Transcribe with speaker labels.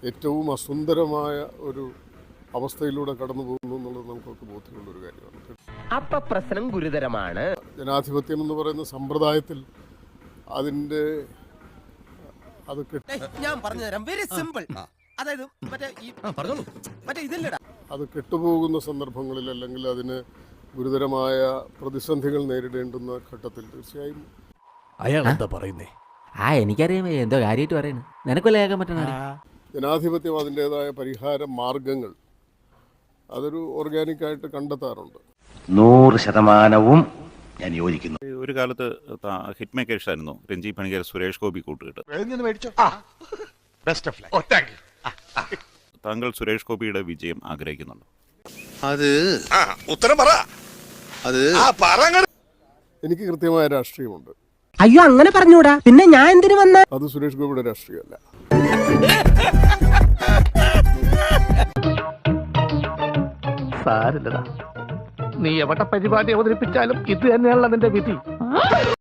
Speaker 1: ഏറ്റവും അസുന്ദരമായ ഒരു അവസ്ഥയിലൂടെ കടന്നു പോകുന്നു എന്നുള്ളത് നമുക്കൊക്കെ ബോധ്യമുള്ളൊരു കാര്യമാണ്.
Speaker 2: അപ്പൊ പ്രശ്നം ഗുരുതരമാണ്.
Speaker 1: ജനാധിപത്യം എന്ന് പറയുന്ന സമ്പ്രദായത്തിൽ അതിൻ്റെ
Speaker 2: ഞാൻ പറഞ്ഞു തരാം, വെരി സിമ്പിൾ. അതായത്
Speaker 1: അത് കെട്ടുപോകുന്ന സന്ദർഭങ്ങളിൽ അല്ലെങ്കിൽ അതിന് ഗുരുതരമായ പ്രതിസന്ധികൾ നേരിടേണ്ടുന്ന ഘട്ടത്തിൽ തീർച്ചയായും
Speaker 3: അയാൾ എന്താ പറയുന്നേ?
Speaker 4: എനിക്കറിയാം എന്തോ കാര്യമായിട്ട് പറയുന്നത്. നിനക്കല്ലേ കേൾക്കാൻ പറ്റണ?
Speaker 1: ജനാധിപത്യം അതിൻ്റെതായ പരിഹാര മാർഗങ്ങൾ അതൊരു ഓർഗാനിക്കായിട്ട് കണ്ടെത്താറുണ്ട്.
Speaker 5: 100% ഞാൻ യോജിക്കുന്നു.
Speaker 6: ഒരു കാലത്ത് ഹിറ്റ് മേക്കേഴ്സ് ആയിരുന്നു രഞ്ജി പണിക്കർ, സുരേഷ് ഗോപി കൂട്ടുകെട്ട്. താങ്കൾ സുരേഷ് ഗോപിയുടെ വിജയം ആഗ്രഹിക്കുന്നുണ്ടോ?
Speaker 7: അത് ഉത്തരം പറ.
Speaker 1: എനിക്ക് കൃത്യമായ രാഷ്ട്രീയമുണ്ട്.
Speaker 2: അയ്യോ, അങ്ങനെ പറഞ്ഞൂടാ. പിന്നെ ഞാൻ എന്തിനു വന്ന?
Speaker 1: അത് സുരേഷ് ഗോപിയുടെ രാഷ്ട്രീയമല്ല.
Speaker 3: സാരില്ലടാ, നീ എവിടെ പരിപാടി അവതരിപ്പിച്ചാലും ഇത് തന്നെയാണല്ലോ നിന്റെ വിധി.